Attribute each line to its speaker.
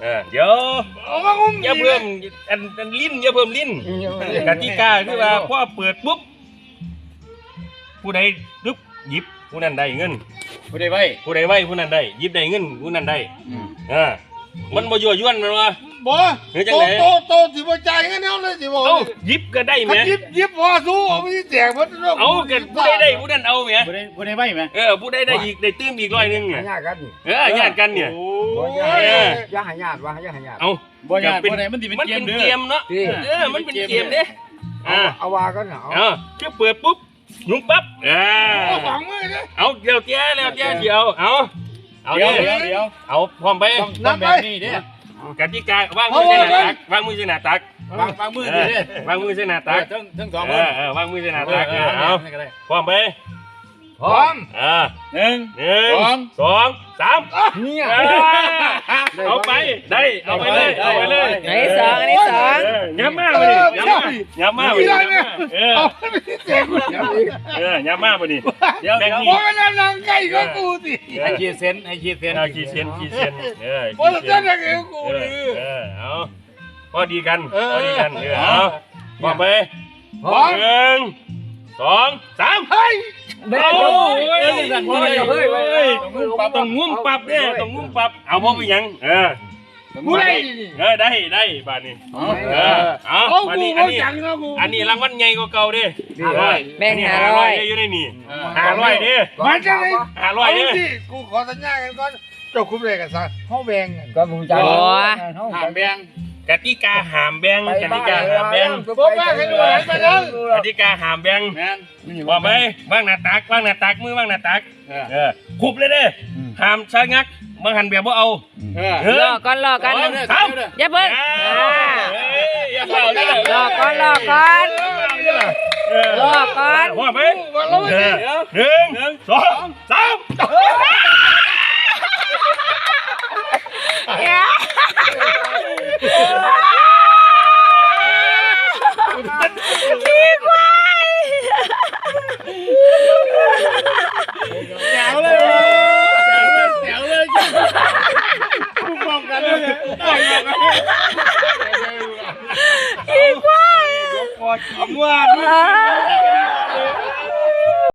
Speaker 1: เดี๋ยวอย่าเพิ่มอันลิ้นอย่าเพิ่มลิ้นกติกาคือว่าพอเปิดปุ๊บผู้ใดดึบหยิบผู้นั้นได้เงินผู้ใดไว้ผู้นั้นได้หยิบได้เงินผู้นั้นได้มันบ่ยั่วยวนมันวะ
Speaker 2: บ่โตสิบ่จ่ายเงินเอาเลยสิบ่
Speaker 1: หยิบก็ได้แหม
Speaker 2: หยิบพอสู้ไม่แจกมัน
Speaker 1: เอากันผู้ใดได้ผู้นั้นเอาแหม
Speaker 3: ผู้ใดไว้แหม
Speaker 1: ผู้ใดได้อีกได้ตื้มอีก100นึงเนี่ย
Speaker 4: ญาติกัน
Speaker 1: ญาติกันเนี่ย
Speaker 4: อย่าให้ญาติว่าอย่าให้ญาติ
Speaker 1: เอา
Speaker 3: บ่ญาติผู้ใดมันสิเป็นเกม
Speaker 1: เนาะมันเป็นเกมเด้
Speaker 4: เอาว่ากัน
Speaker 1: คือเปิดปุ๊บยุ่งปั๊บเอาเดี๋ยวเดี๋ยวเอาเดี๋ยวเอาพร้อมไป
Speaker 3: แบบนี้เด้
Speaker 1: กติกาวางมือเส้นหน้าตักวางมือเส้นหน้าตัก
Speaker 3: วางมือดิ
Speaker 1: วางมือเส้นหน้าตัก
Speaker 3: ทั้งสองคน
Speaker 1: วางมือเส้นหน้าตักเอาพร้อมไป
Speaker 4: พร้อม
Speaker 1: 1 2 3
Speaker 4: เนี่ย
Speaker 1: เอาไปได้เอาไปเลย
Speaker 5: อันนี้สอง
Speaker 1: ย้ำมากไปดิย้ำมากไปดิย้ำมากไปดิ
Speaker 2: เดี๋ยวโอ้ยนั่งใกล้ก็กูสิ
Speaker 3: ให้ขีดเส้น
Speaker 2: โอ้ยจะนั่งกับกู
Speaker 1: เอาพอดีกันเอาพร้อมไป1 2 3เฮ้ยต้องงุ้มปับเนี่ยต้องงุ้มปับเอาพอไปยัง
Speaker 2: กู
Speaker 1: ได้บ้านนี้เอาบ้านนี้อันนี้รางวัลใหญ่กว่าเก่าดิ
Speaker 5: แบ่ง
Speaker 1: 500อยู่ในนี่500ดิ
Speaker 2: มันจะได้
Speaker 1: 500ดิ
Speaker 2: กูขอสัญญากันก่อนเจ้าคุ้มเลยกันซะเขาแบ่ง
Speaker 4: ก็มึงจะ
Speaker 3: ห้ามแบ่ง
Speaker 1: กติกาห้ามแบ่งกติกาห้ามแบ่งกติกาห้ามแบ่งว่าไหมว่างหน้าตักมือว่างหน้าตักคุบเลยเด้ห้ามชะงักบางหันแบบว่าเอา
Speaker 5: รอก่อนอย่าเพิ่งรอก่อน
Speaker 1: ว่าไหม1 2 3